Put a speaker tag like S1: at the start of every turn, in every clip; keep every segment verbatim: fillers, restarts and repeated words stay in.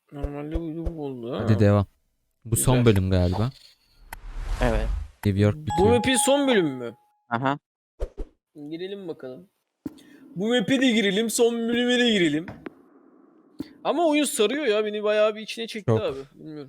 S1: Normalde bu bu oldu ha.
S2: Hadi devam. Bu
S1: Güzel.
S2: son bölüm galiba.
S3: Evet.
S2: New York
S1: Bu
S2: bitiyor.
S1: map'in son bölümü mü?
S3: Aha.
S1: Girelim bakalım. Bu map'e de girelim, son bölüme de girelim. Ama oyun sarıyor ya, beni bayağı bir içine çekti
S2: Çok.
S1: abi. Bilmiyorum.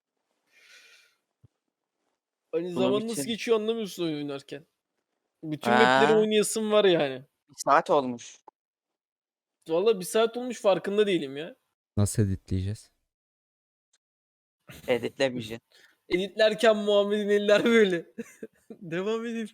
S1: Hani
S3: Bunu
S1: zaman nasıl
S3: bitir.
S1: geçiyor anlamıyorsun oyun oynarken. Bütün
S3: Ha.
S1: map'leri oynayasım var yani.
S3: Bir saat olmuş.
S1: Valla bir saat olmuş, farkında değilim ya.
S2: Nasıl editleyeceğiz?
S3: Editlemeyeceksin.
S1: Editlerken Muhammed'in eller böyle. Devam edelim.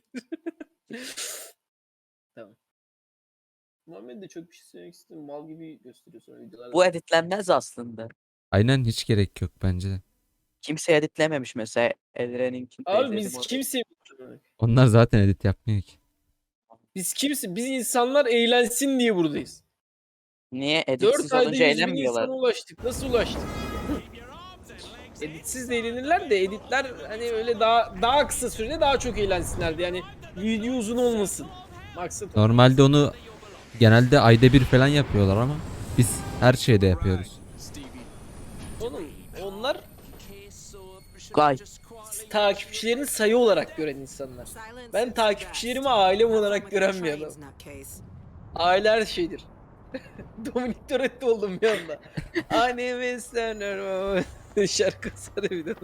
S1: Tamam. Muhammed de çok bir şey söylemek istedim. Mal gibi gösteriyor sonra videolarda.
S3: Bu editlenmez aslında.
S2: Aynen, hiç gerek yok bence de.
S3: Kimse editlememiş mesela. Elren'inkini de
S1: Abi
S3: izledim
S1: biz
S3: orada.
S1: kimse
S2: Onlar zaten edit yapmıyor ki.
S1: biz kimse biz insanlar eğlensin diye buradayız.
S3: Niye? Editsiz
S1: dört ayda
S3: olunca
S1: yüz bin
S3: eğlenmiyorlar.
S1: insana ulaştık. Nasıl ulaştık? Editsiz de eğlenirler de editler hani öyle daha daha kısa sürede daha çok eğlensinlerdi. Yani video uzun olmasın. Maksat o.
S2: Normalde onu genelde ayda bir falan yapıyorlar ama biz her şeyde yapıyoruz.
S1: Oğlum onlar
S3: Gay.
S1: takipçilerini sayı olarak gören insanlar. Ben takipçilerimi ailem olarak gören bir adamım. Aile her şeydir. Dominik Toretto oldum bir anda. Annemi isterim. Şarkı söyle.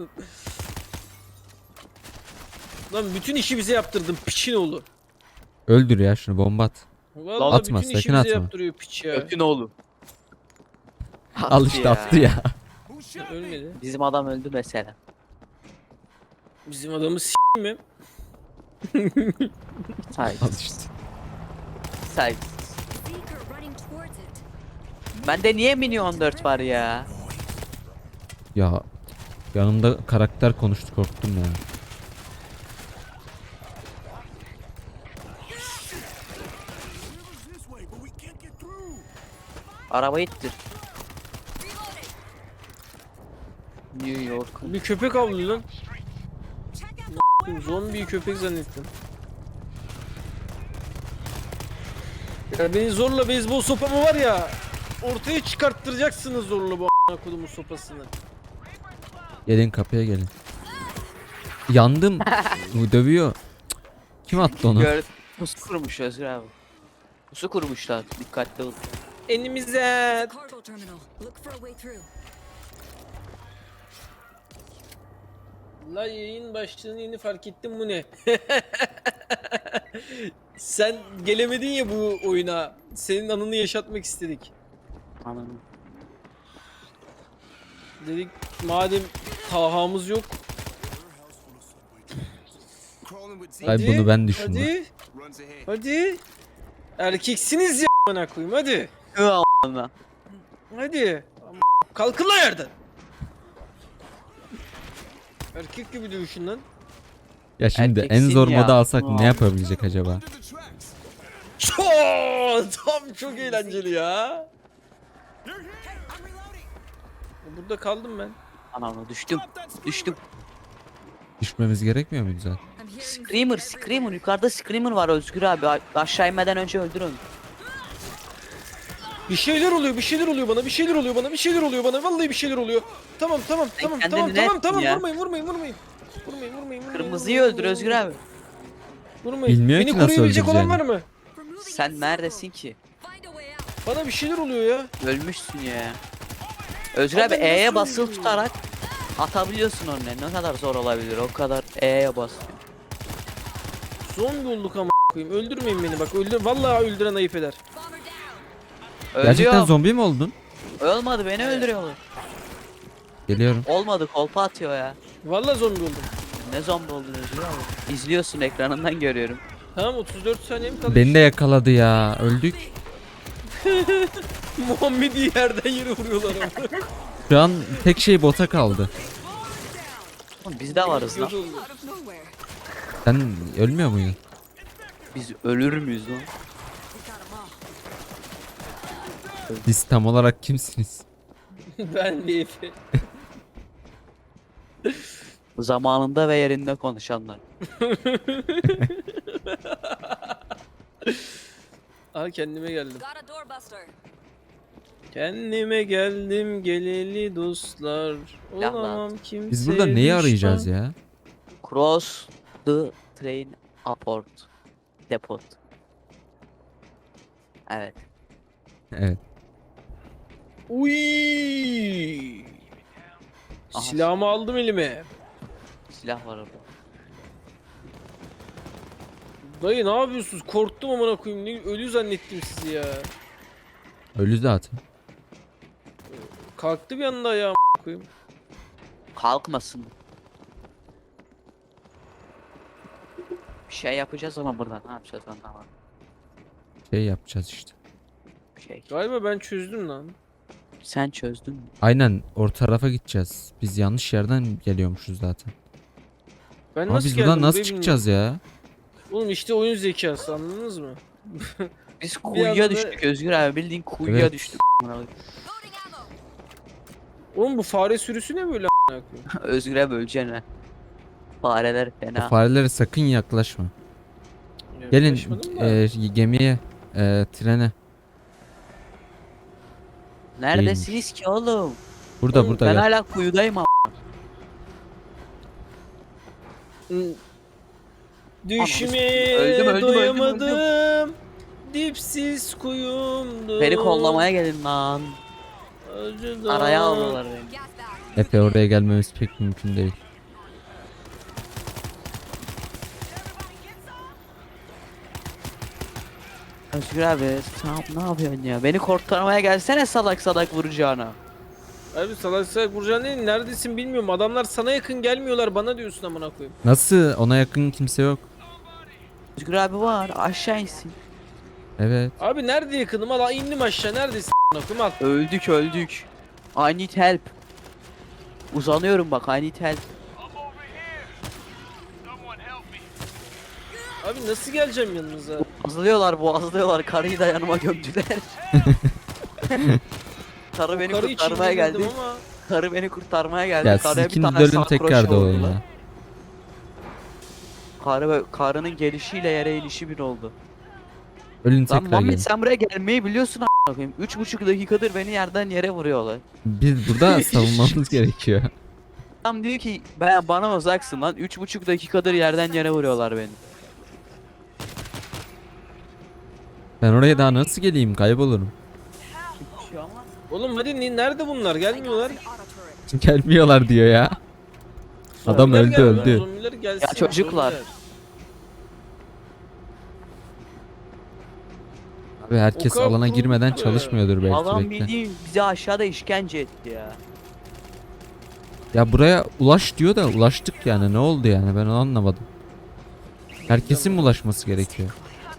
S1: Lan bütün işi bize yaptırdın piçin oğlu.
S2: Öldür ya şunu, bomba at.
S1: Vallahi
S2: Atma,
S1: bütün işi
S2: sakın
S1: bize
S2: atma.
S1: yaptırıyor piç ya.
S3: Ötün oğlu.
S2: Al işte, attı ya.
S1: Ölmedi.
S3: Bizim adam öldü mesela.
S1: Bizim adamı s*** mi?
S2: Al
S3: Saygısız.
S2: işte.
S3: Saygısız. Bende niye mini on dört var ya?
S2: Ya yanımda karakter konuştu, korktum ya.
S3: Arabayı ittir. New York.
S1: Bir köpek avlıyor lan. Zombi köpek zannettim. Ya beni zorla beyzbol sopamı var ya ortaya çıkarttıracaksınız zorla bu a**ına kodumun sopasını.
S2: Gelin kapıya gelin. Yandım. Bu dövüyor. Cık. Kim attı onu?
S3: Gör. Pusu kurmuş Özgür abi. Pusu kurmuşlar. Dikkatli ol.
S1: Enimize.
S4: Cargo terminal. Look for a way through.
S1: La yayın başlığını yeni fark ettim, bu ne? Sen gelemedin ya bu oyuna. Senin anını yaşatmak istedik.
S3: Anam.
S1: Dedik madem Taha'mız yok.
S2: Ay bunu ben düşündüm.
S1: Hadi. Hadi. Erkeksiniz ya a**ına koyayım, hadi.
S3: Ana.
S1: Hadi. Ama kalkın lan yerden. Erkek gibi dövüşün lan.
S2: Ya şimdi en
S3: Erkeksin
S2: zor
S3: ya.
S2: moda alsak
S3: Aa.
S2: ne yapabilecek acaba?
S1: Çok, tam çok eğlenceli ya. Burada kaldım ben.
S3: Anam düştüm. Düştüm.
S2: Düşmemiz gerekmiyor muydu zaten?
S4: I'm hearing
S3: Screamer, Screamer. Yukarıda Screamer var Özgür abi. A- Aşağı inmeden önce öldür onu.
S1: Bir şeyler oluyor, bir şeyler oluyor bana, bir şeyler oluyor bana, bir şeyler oluyor bana. Vallahi bir şeyler oluyor. Tamam, tamam,
S3: Sen
S1: tamam,
S3: kendini
S1: tamam,
S3: ne
S1: tamam,
S3: ettin
S1: tamam.
S3: ya?
S1: Vurmayın, vurmayın, vurmayın. Vurmayın, vurmayın, vurmayın.
S3: Kırmızıyı
S1: vurmayın,
S3: öldür Özgür
S1: vurmayın.
S3: abi.
S1: Vurmayın.
S2: Bilmiyor
S1: Beni
S2: ki nasıl
S1: koruyabilecek olan
S2: öldüreceğini.
S1: var mı?
S3: Sen neredesin ki?
S4: find a way out.
S1: Bana bir şeyler oluyor ya.
S3: Ölmüşsün ya. Özgür
S1: Abi
S3: abi
S1: nasıl
S3: E'ye basılı
S1: ölüyorum?
S3: tutarak atabiliyorsun onu. Ne kadar zor olabilir o kadar E'ye bas.
S1: Zombi olduk ama koyayım. Öldürmeyin beni bak. Öldür. Vallahi öldüren ayıp eder.
S4: Bomber down.
S2: Gerçekten
S3: Ölüyor.
S2: zombi mi oldun?
S3: Olmadı beni öldürüyorlar.
S2: Geliyorum.
S3: Olmadı kolpa atıyor ya.
S1: Vallahi zombi oldum.
S3: Ne zombi oldun Özgür abi? İzliyorsun ekranından görüyorum.
S1: Tamam, otuz dört saniyem kaldı.
S2: Beni de yakaladı ya. Öldük.
S1: Muhammed'i yerden yere vuruyorlar ama.
S2: Şu an tek şey bota kaldı.
S3: Oğlum biz de varız lan.
S1: Göz oldu.
S4: Out of nowhere.
S2: Sen ölmüyor muydun?
S3: Biz ölür müyüz lan?
S4: We got 'em all.
S2: Siz tam olarak kimsiniz?
S1: Ben de Efe.
S3: Zamanında ve yerinde konuşanlar.
S1: Aha kendime geldim.
S4: Got a doorbuster.
S1: Kendime geldim geleli dostlar.
S3: Laf lan.
S1: Olamam kimseye
S2: Biz burada neyi
S1: düşman.
S2: arayacağız ya?
S3: Cross the train aport. Depot. Evet.
S2: Evet.
S1: Uy.
S3: Aha.
S1: Silahımı aldım elime.
S3: Silah var orada.
S1: Dayı ne yapıyorsunuz? Korktum amına koyayım. Ne ölü zannettim sizi ya.
S2: Ölü zaten.
S1: Kalktı bir anda ayağım amına koyayım.
S3: Kalkmasın. Bir şey yapacağız ama burada. Ne yapacağız anlamadım.
S2: Şey yapacağız işte.
S3: Bir şey.
S1: Galiba ben çözdüm lan.
S3: Sen çözdün mü?
S2: Aynen o tarafa gideceğiz. Biz yanlış yerden geliyormuşuz zaten.
S1: Ben
S2: Ama
S1: nasıl
S2: biz
S1: geldim
S2: buradan nasıl
S1: buraya
S2: çıkacağız ya?
S1: bilmiyorum. Oğlum işte oyun zekası anladınız mı?
S3: Biz kuyuya
S1: anda-
S3: düştük Özgür abi. Bildiğin kuyuya
S2: Evet.
S3: düştük.
S4: Loading ammo.
S1: Oğlum bu fare sürüsü ne böyle amına koyayım?
S3: Özgür'e böleceksin ha. Fareler
S2: O
S3: fena.
S2: farelere sakın yaklaşma. Gelin
S1: Yaklaşmadım da.
S2: e, gemiye, e, trene.
S3: Neredesiniz ki oğlum?
S2: Burada
S1: Oğlum,
S2: burada
S3: Ben
S2: gel.
S3: hala kuyudayım ama.
S1: Hı. Düşmeye
S3: Öldüm, öldüm, öldüm,
S1: doyamadım. Dipsiz kuyumdu.
S3: Beni kollamaya gelin lan.
S1: Acıdan.
S3: Araya aldılar beni.
S4: Gas bag.
S2: Epe oraya gelmemiz pek mümkün değil.
S3: Özgür abi sen ne yapıyorsun ya? Beni kurtarmaya gelsene salak salak vuracağına.
S1: Abi salak salak vuracaksın değil, neredesin bilmiyorum. Adamlar sana yakın gelmiyorlar, bana diyorsun amına koyayım.
S2: Nasıl? Ona yakın kimse yok.
S3: Özgür abi var aşağı insin.
S2: Evet.
S1: Abi nerede yakınım? Al indim aşağı, neredesin amına koyayım, al.
S3: Öldük öldük. I need help. Uzanıyorum bak I need help.
S1: Abi nasıl geleceğim yanınıza?
S3: Boğazlıyorlar boğazlıyorlar karıyı da yanıma gömdüler. Karı beni
S1: O karı için
S3: kurtarmaya geldi.
S1: girdim ama
S3: Karı beni kurtarmaya geldi.
S2: Ya siz
S3: Karıya bir
S2: ikiniz
S3: tane
S2: de ölün
S3: sakroş
S2: tekrar doğun
S3: vurdular.
S2: ya.
S3: Karı, karının gelişiyle yere inişi bir oldu.
S2: Ölün
S3: Lan
S2: tekrar
S3: Muhammed
S2: gelin.
S3: sen buraya gelmeyi biliyorsun a**ına koyayım. Üç buçuk dakikadır beni yerden yere vuruyorlar.
S2: Biz burada savunmamız gerekiyor.
S3: Adam diyor ki ben bana uzaksın lan. Üç buçuk dakikadır yerden yere vuruyorlar beni.
S2: Ben oraya daha nasıl geleyim? Kaybolurum.
S3: Şu ama
S1: oğlum hadi ni- nerede bunlar? Gelmiyorlar.
S4: Auto turret.
S2: Gelmiyorlar diyor ya. Adam
S1: Zombiler
S2: öldü
S1: gelmiyor,
S2: öldü.
S1: zombiler gelsin,
S3: Ya çocuklar.
S1: zombiler.
S2: Abi herkes
S1: O kadar
S2: alana girmeden
S1: kurulmuş
S2: çalışmıyordur belki
S3: adam
S2: bekle.
S3: bildiğin bizi aşağıda işkence etti ya.
S2: Ya buraya ulaş diyor da ulaştık yani, ne oldu yani, ben onu anlamadım. Herkesin mi ulaşması gerekiyor?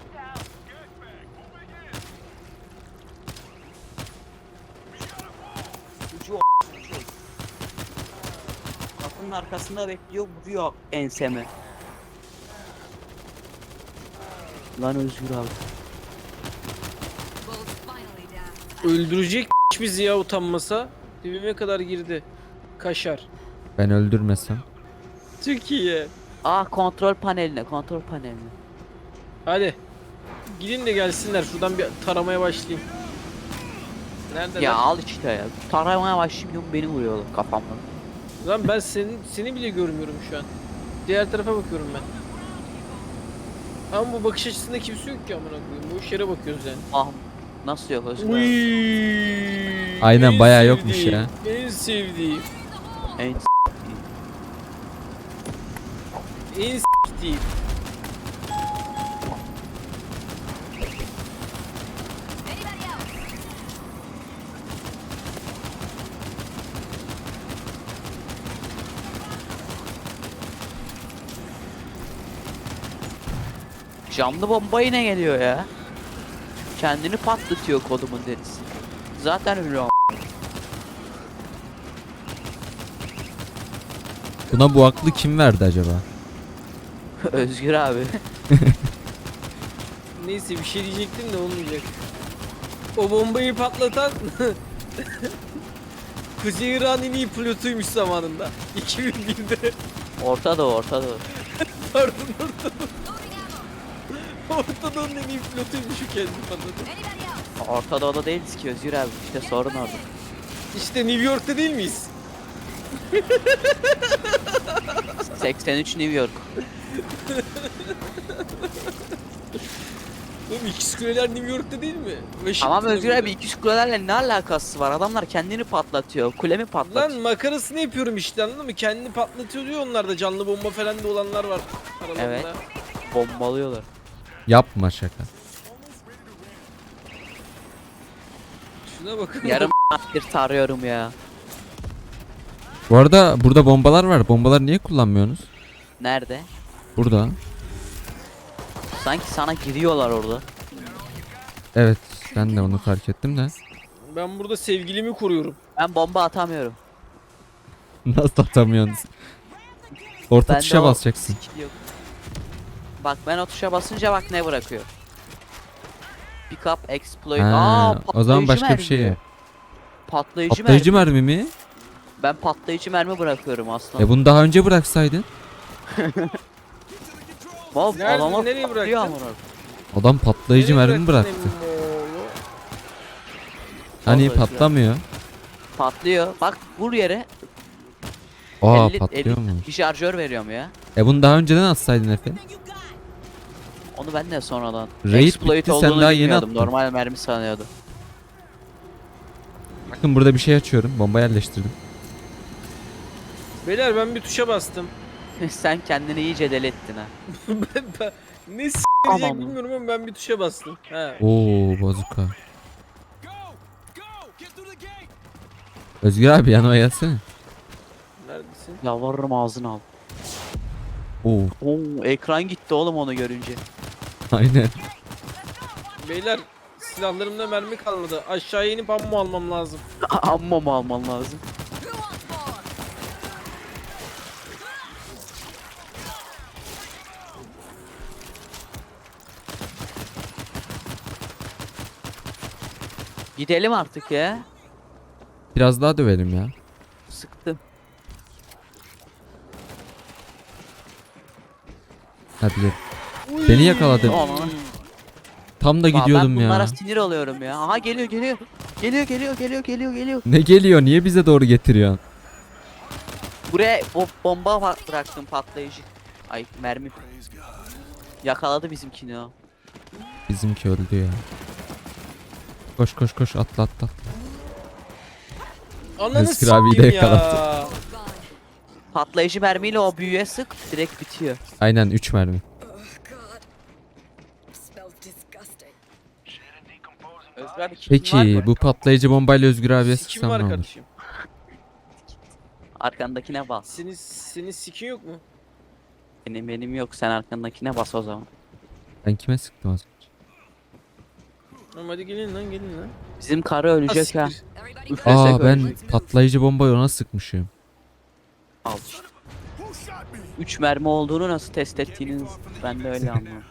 S3: Ucu o- Kapının arkasında bekliyor vuruyor enseme. Lan Özgür abi.
S4: Bull's finally down.
S1: Öldürecek bizi ya utanmasa. Dibime kadar girdi. Kaşar.
S2: Ben öldürmesem.
S1: Çok iyi.
S3: Aa kontrol paneline kontrol paneline.
S1: Hadi. Gidin de gelsinler. Şuradan bir taramaya başlayayım. Nerede
S3: Ya
S1: lan?
S3: al işte ya. Taramaya başlıyorum beni vuruyorlar kafamdan.
S1: Lan ben senin seni bile görmüyorum şu an. Diğer tarafa bakıyorum ben. Ama bu bakış açısında kimse yok ki amına koyayım. Bu yere bakıyoruz yani.
S3: Ah nasıl yok Özgür abi?
S1: Uy.
S2: Aynen,
S1: en
S2: bayağı yokmuş
S1: sevdiğim,
S2: ya.
S1: En sevdiğim.
S3: En
S1: En s**tiğim.
S4: Anybody else?
S3: Camlı bomba yine geliyor ya. Kendini patlatıyor kodumun derisi. Zaten öyle o.
S2: Buna bu aklı kim verdi acaba?
S3: Özgür abi.
S1: Neyse bir şey diyecektim de olmayacak. O bombayı patlatan Kuzey İran en iyi pilotuymuş zamanında. iki bin birde.
S3: Orta Doğu Orta Doğu.
S1: Pardon Orta
S4: Loading ammo.
S1: Orta Doğu'nun en iyi pilotuymuş o kendi patladı.
S4: Anybody else?
S3: Orta Doğu'da değiliz ki Özgür abi. İşte sorun orada.
S1: İşte New York'ta değil miyiz?
S3: seksen üç New York.
S1: Oğlum ikiz kuleler New York'ta değil mi?
S3: Tamam
S1: Washington'da
S3: Özgür
S1: burada.
S3: abi iki kulelerle ne alakası var? Adamlar kendini patlatıyor. Kulemi patlatıyor.
S1: Lan makarasını yapıyorum işte, anladın mı? Kendini patlatıyor diyor, onlar da canlı bomba falan da olanlar var aralarında.
S3: Evet. Bombalıyorlar.
S2: Yapma şaka.
S1: Şuna bakın.
S3: Yarım bir tarıyorum ya.
S2: Bu arada burada bombalar var. Bombaları niye kullanmıyorsunuz?
S3: Nerede?
S2: Burada.
S3: Sanki sana giriyorlar orada.
S2: Evet, ben de onu fark ettim de.
S1: Ben burada sevgilimi koruyorum.
S3: Ben bomba atamıyorum.
S2: Nasıl atamıyorsunuz? Orta
S3: Bende
S2: tuşa
S3: o
S2: basacaksın.
S3: skill yok. Bak ben o tuşa basınca bak ne bırakıyor. Pick up, exploit. Aa,
S2: Ha, o zaman
S3: patlayıcı
S2: başka bir
S3: mermi.
S2: şey.
S3: Patlayıcı,
S2: Patlayıcı
S3: mermi.
S2: mermi mi?
S3: Ben patlayıcı mermi bırakıyorum aslında.
S2: E bunu daha önce bıraksaydın.
S3: Vav,
S1: Nerede-
S3: adama
S1: nereye
S3: patlıyor
S1: bıraktın?
S3: amına.
S2: Adam patlayıcı
S1: Nereye
S2: mermi bıraktı.
S1: bıraktın Emoğlu?
S2: Hani
S3: Vallahi
S2: patlamıyor.
S3: Patlıyor. Bak vur yere.
S2: Aa
S3: elli
S2: patlıyormuş.
S3: bir şarjör veriyorum ya.
S2: E bunu daha önceden atsaydın Efe.
S3: Onu ben de sonradan.
S2: Raid
S3: Exploit
S2: bitti, sen
S3: olduğunu
S2: daha yeni
S3: bilmiyordum.
S2: attın.
S3: Normal mermi sanıyordum.
S2: Bakın burada bir şey açıyorum. Bomba yerleştirdim.
S1: Beyler ben bir tuşa bastım.
S3: Sen kendini iyice deli ettin ha.
S1: ben, ben, ne s***
S3: Aman.
S1: diyecek bilmiyorum ama ben bir tuşa bastım. He.
S2: Oo bazuka. Özgür abi yanıma gelsene.
S1: Neredesin?
S3: Yalvarırım ağzını al.
S2: Oo
S3: Oo, ekran gitti oğlum onu görünce.
S2: aynen.
S1: Beyler silahlarımda mermi kalmadı. Aşağıya inip ammo almam lazım.
S3: Amma mı alman lazım?
S4: Who wants more?
S3: Gidelim artık ya.
S2: Biraz daha dövelim ya.
S3: Sıktım.
S2: Hadi gel. Beni yakaladın.
S3: Aman.
S2: Tam da
S3: Aa,
S2: gidiyordum
S3: ben bunlara
S2: ya.
S3: sinir oluyorum ya. Aha geliyor geliyor. Geliyor geliyor geliyor geliyor geliyor.
S2: Ne geliyor? Niye bize doğru getiriyorsun?
S3: Buraya bo bomba pa- bıraktım patlayıcı. Ay mermi. Yakaladı bizimkini o.
S2: Bizimki öldü ya. Koş koş koş atla atla.
S1: Ananı
S2: Özgür abiyi de
S1: s**eyim
S2: yakaladı.
S1: ya.
S3: Patlayıcı mermiyle o büyüye sık direkt bitiyor.
S2: Aynen üç mermi.
S4: Smells disgusting.
S3: Özgür abi kitin var
S2: Peki
S3: mı?
S2: bu patlayıcı bombayla Özgür abiye
S1: Sikim
S2: sıksam
S1: var
S2: ne olur?
S1: kardeşim.
S3: Arkandakine bas.
S1: Senin, senin sikin yok mu?
S3: Benim benim yok sen arkandakine bas o zaman.
S2: Ben kime sıktım az önce?
S1: Tamam hadi gelin lan gelin lan.
S3: Bizim karı ölecek ha.
S1: siktir.
S4: Everybody
S3: Üflesek
S2: Aa ben
S3: ölecek.
S2: patlayıcı bombayı ona sıkmışım.
S3: Al işte. üç mermi olduğunu nasıl test ettiğiniz ben de öyle anlıyorum.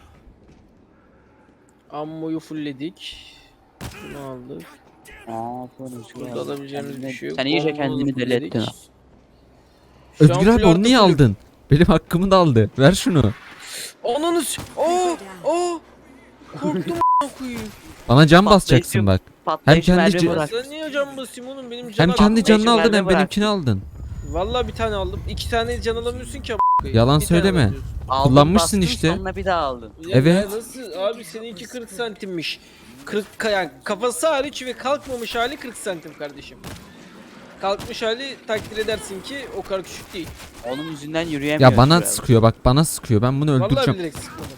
S1: Ammoyu fullledik. Bunu aldık.
S3: Aa, bu Özgür
S1: Burada
S3: abi.
S1: alabileceğimiz bir
S3: Kendine-
S1: şey yok.
S3: Sen iyice
S1: Bombamızı
S3: kendini deli
S1: fullledik.
S3: ettin ha.
S1: Şu an
S2: Özgür abi
S1: full
S2: onu
S1: artı
S2: niye
S1: fullüm.
S2: aldın? Benim hakkımı da aldı. Ver şunu.
S1: Ananı s- Oo! Oo! Korktum a**ına koyayım.
S2: Bana can
S3: Patlayıcı-
S2: basacaksın bak.
S3: Patlayıcı
S2: kendi
S3: mermi
S2: c-
S1: Ya
S3: bırak.
S1: sen niye can basayım oğlum, benim can
S2: Hem kendi canını
S3: patlayıcı
S2: aldın hem
S3: mermi
S2: benimkini aldın.
S1: Vallahi bir tane aldım. İki tane can alamıyorsun ki a**ına koyayım.
S2: Yalan
S1: Bir tane
S2: söyleme.
S1: alabiliyorsun.
S3: Aldın,
S2: Kullanmışsın
S3: bastın,
S2: işte.
S3: Sonra bir daha aldın.
S1: Ya
S2: Evet.
S1: ya nasıl abi, seninki kırk santimmiş. kırk ka- yani kafası hariç ve kalkmamış hali kırk santim kardeşim. Kalkmış hali takdir edersin ki o kadar küçük değil.
S3: Onun yüzünden yürüyemiyor.
S2: Ya bana
S3: Özgür abi.
S2: sıkıyor bak bana sıkıyor. Ben bunu
S1: Vallahi
S2: öldüreceğim.
S1: bilerek sıkmadım.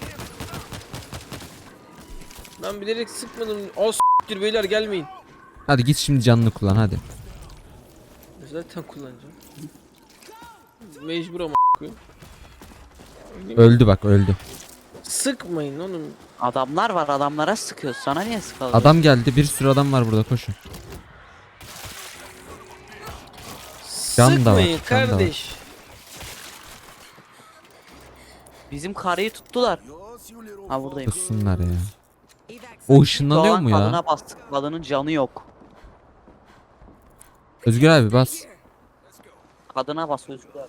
S1: Ben bilerek sıkmadım. O s**tir beyler, gelmeyin.
S2: Hadi git şimdi canını kullan hadi.
S1: Zaten kullanacağım. Mecbur ama a**ayım.
S2: Öldü bak öldü.
S1: Sıkmayın oğlum.
S3: Adamlar var adamlara sıkıyor. Sana niye sıkalım?
S2: Adam geldi, bir sürü adam var burada, koşun. Can da var,
S1: Sıkmayın
S2: can da var.
S1: kardeş.
S3: Bizim karıyı tuttular. Ha buradayım.
S2: Kussunlar ya. O ışınlanıyor
S3: Doğan
S2: mu ya?
S3: kadına bastık. Kadının canı yok.
S2: Özgür abi bas.
S3: Kadına bas Özgür abi.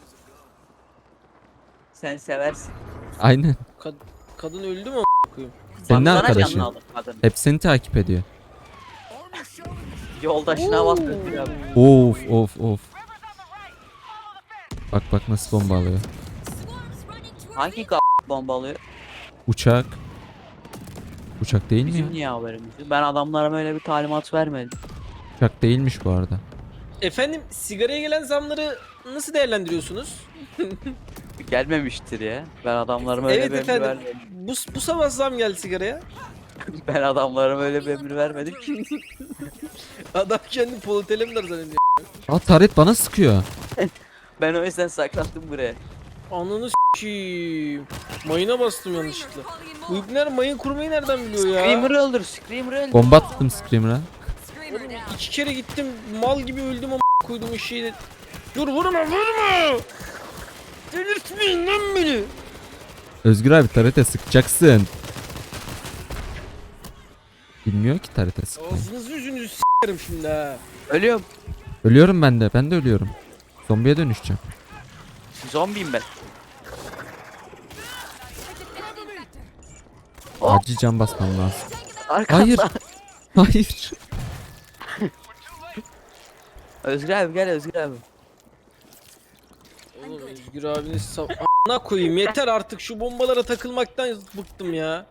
S3: Sen seversin.
S2: Aynen.
S1: Kad- kadın öldü mü a**ayım?
S2: Senin
S3: Baksana
S2: arkadaşın.
S3: canını alır kadın.
S2: Hep seni takip ediyor.
S3: Yoldaşına bak Özgür abi.
S2: Of of of. Bak bak nasıl bomba alıyor.
S3: Hangi k*** bomba alıyor?
S2: Uçak. Uçak değil mi ya?
S3: Bizim niye haberimiz yok? Ben adamlara öyle bir talimat vermedim.
S2: Uçak değilmiş bu arada.
S1: Efendim sigaraya gelen zamları nasıl değerlendiriyorsunuz?
S3: Gelmemiştir ya. Ben adamlarıma öyle
S1: Evet
S3: bir emir
S1: efendim.
S3: vermedim.
S1: Bu, bu sabah zam geldi sigaraya.
S3: Ben adamlarıma öyle bir emir vermedim ki.
S1: Adam kendi politelemler zannediyor.
S2: Aa taret bana sıkıyor.
S3: Ben o yüzden saklandım buraya.
S1: Ananı s**eyim. Mayına bastım yanlışlıkla. Bu ibneler mayın kurmayı nereden biliyor ya?
S3: Screamer'ı öldür, Screamer'ı öldür.
S2: Bomba attım Screamer'a.
S1: Oğlum iki kere gittim mal gibi öldüm ama koydum o şeyi. Dur vurma vurma. Delirtmeyin lan beni.
S2: Özgür abi tarete sıkacaksın. Bilmiyor ki tarete sıkmayı.
S1: Ağzınızı yüzünüzü s**erim şimdi ha.
S3: Ölüyorum.
S2: Ölüyorum ben de. Ben de ölüyorum. Zombiye dönüşeceğim.
S3: Zombiyim ben.
S2: Acil can basmam lazım.
S3: Arkamda.
S2: Hayır. Hayır.
S3: Özgür abi gel Özgür abi.
S1: Oğlum Özgür abiniz saf... A**ına koyayım yeter artık şu bombalara takılmaktan bıktım ya.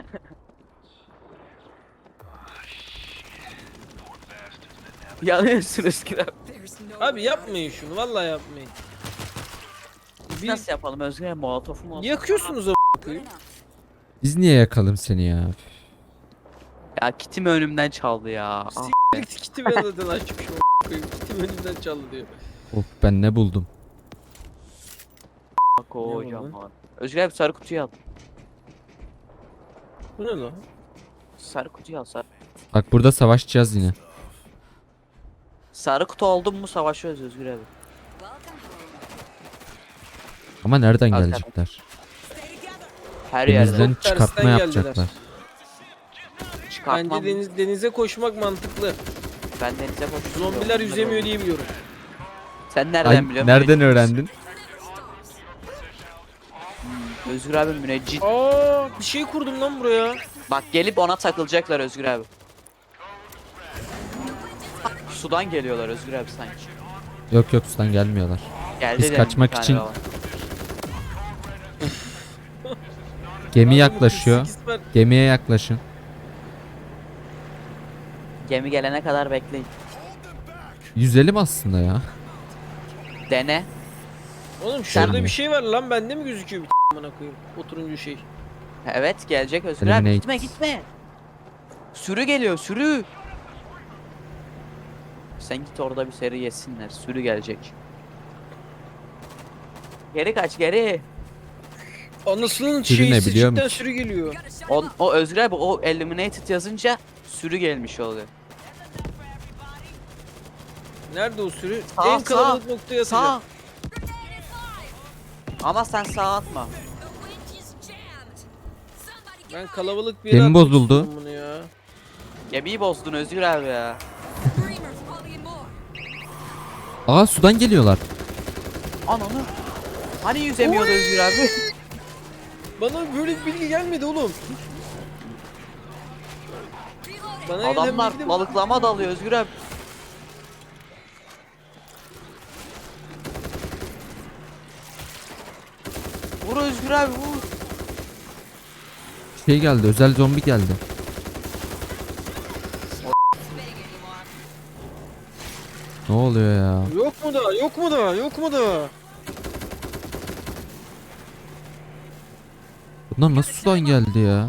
S3: Yanıyorsun Özgür abi.
S1: Abi yapmayın şunu vallahi yapmayın. Bir
S3: Nasıl yapalım Özgür abi? Molotofu mu?
S1: yakıyorsunuz a**ına koyayım.
S2: Biz niye yakalım seni ya?
S3: Ya kitimi önümden çaldı ya. Ah.
S1: S***lik kiti ben zaten açmışım a**ına koyayım. Kitim önümden çaldı diyor.
S2: Of ben ne buldum?
S3: Bak kocaman. Özgür abi sarı kutuyu al.
S1: Bu ne lan?
S3: Sarı kutuyu al sarı.
S2: Bak burada savaşacağız yine.
S3: Sarı kutu oldun mu savaşıyoruz Özgür abi.
S2: Ama nereden
S3: Al,
S2: gelecekler?
S3: Her yerde.
S2: Denizden
S1: Çok tersten
S2: çıkartma
S1: geldiler.
S2: yapacaklar.
S3: Çıkartmam.
S1: Bence deniz, denize koşmak mantıklı.
S3: Ben denize koştum.
S1: Zombiler yüzemiyor diye biliyorum.
S3: Sen nereden
S2: Ay,
S3: biliyorsun?
S2: nereden öğrendin?
S3: Özgür abi müneccit.
S1: Aa bir şey kurdum lan buraya.
S3: Bak gelip ona takılacaklar Özgür abi. Sudan geliyorlar Özgür abi sanki.
S2: Yok yok sudan gelmiyorlar.
S3: Geldi
S2: Biz
S3: de
S2: kaçmak
S3: bir tane
S2: için-
S3: daha var.
S2: Gemi
S1: Adamı
S2: yaklaşıyor.
S1: kırk sekiz ver-
S2: Gemiye yaklaşın.
S3: Gemi gelene kadar bekleyin.
S2: Yüzelim aslında ya.
S3: Dene.
S1: Oğlum şurada
S2: Gelmiyor.
S1: bir şey var lan bende mi gözüküyor bir amına koyayım? Oturuncu şey.
S3: Evet gelecek Özgür abi.
S2: Eliminate.
S3: Gitme gitme. Sürü geliyor sürü. Sen git orada bir seri yesinler. Sürü gelecek. Geri kaç geri.
S1: Anasının
S2: Sürü
S1: şeyi
S2: ne biliyor
S1: sıçıktan
S2: musun?
S1: sürü geliyor.
S3: O, o Özgür abi o eliminated yazınca sürü gelmiş oluyor.
S1: Nerede o sürü?
S3: Sağ,
S1: en
S3: sağ,
S1: kalabalık noktaya
S3: Sağ.
S1: atacağım.
S3: Ama sen sağa atma.
S1: Ben kalabalık bir yere
S2: Gemi
S1: atmak
S2: bozuldu.
S1: istiyorum bunu ya.
S3: Gemiyi bozdun Özgür abi ya.
S2: Aa sudan geliyorlar.
S3: Ananı. Hani yüzemiyordu Özgür abi?
S1: Bana böyle bir bilgi gelmedi oğlum. Bana gelen
S3: Adamlar
S1: bilgi de-
S3: balıklama dalıyor Özgür abi. Vur Özgür abi vur.
S2: Şey geldi özel zombi geldi. Ne oluyor ya?
S1: Yok mu da? Yok mu da? Yok mu da?
S2: Bunlar nasıl sudan geldi ya?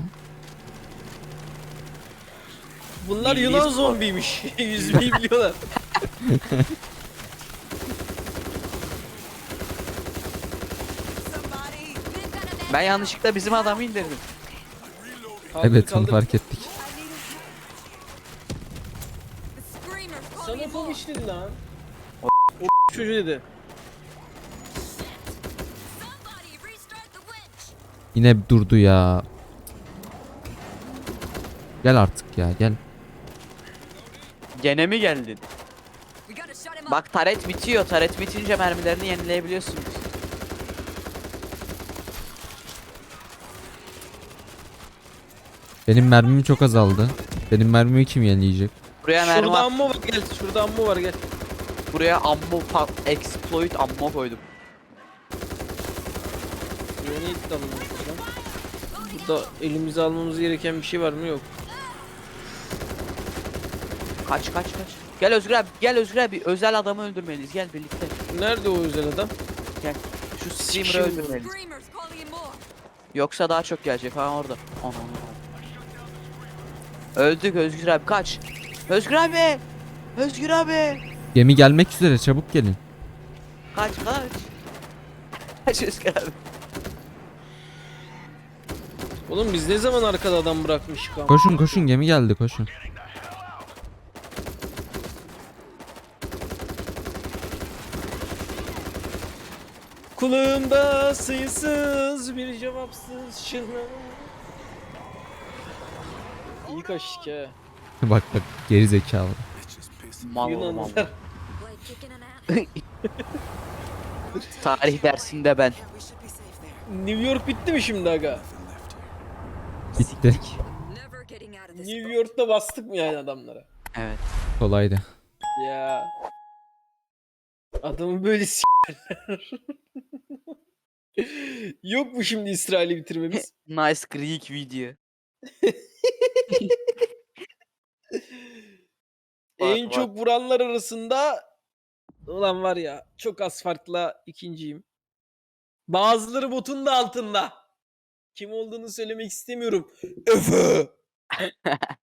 S1: Bunlar
S3: Milli
S1: yılan
S3: spor.
S1: zombiymiş. Yüzmeyi biliyorlar.
S3: Ben yanlışlıkla bizim adamı indirdim.
S1: Kaldır,
S2: Evet onu
S1: kaldır.
S2: fark ettik.
S1: Sana fobiş dedi lan. O, o çocuğu dedi.
S2: Yine durdu ya. Gel artık ya gel.
S3: Gene mi geldin? Bak taret bitiyor. Taret bitince mermilerini yenileyebiliyorsunuz.
S2: Benim mermim çok azaldı. Benim mermimi kim yenileyecek?
S3: Buraya mermi
S1: Şurada
S3: at-
S1: ammo var gel. Şurada ammo var gel.
S3: Buraya ammo fa- exploit ammo koydum.
S1: Grenade de alalım buradan. Burada elimize almamız gereken bir şey var mı? Yok.
S3: Kaç kaç kaç. Gel Özgür abi, gel Özgür abi. Özel adamı öldürmeliyiz. Gel birlikte.
S1: Nerede o özel adam?
S3: Gel. Şu
S1: Sikişim
S3: streamer'ı
S1: bu.
S3: öldürmeliyiz.
S4: Screamers calling in more.
S3: Yoksa daha çok gelecek. Ha orada. Ana ana. Öldük Özgür abi, kaç. Özgür abi. Özgür abi.
S2: Gemi gelmek üzere, çabuk gelin.
S3: Kaç kaç. Kaç Özgür abi.
S1: Oğlum biz ne zaman arkada adam bırakmışık ama?
S2: Koşun koşun, gemi geldi, koşun.
S1: Kulağımda sayısız bir cevapsız çığlık. İyi kaçtık ha.
S2: Bak bak, geri zekalı.
S3: Mal oğlum, mal.
S1: Yunanlılar.
S4: Like kicking an ass.
S3: Tarih dersinde ben.
S4: Yeah, we should be safe there.
S1: New York bitti mi şimdi aga?
S2: Bitti.
S4: Never getting out of this.
S1: New York'ta bastık mı yani adamlara?
S3: Evet.
S2: Kolaydı.
S1: Ya. Adamı böyle s***ler. Yok mu şimdi İsrail'i bitirmemiz?
S3: Nice Greek video.
S1: En
S3: var.
S1: çok vuranlar arasında ulan var ya çok az farkla ikinciyim. Bazıları botun da altında. Kim olduğunu söylemek istemiyorum. Öfü.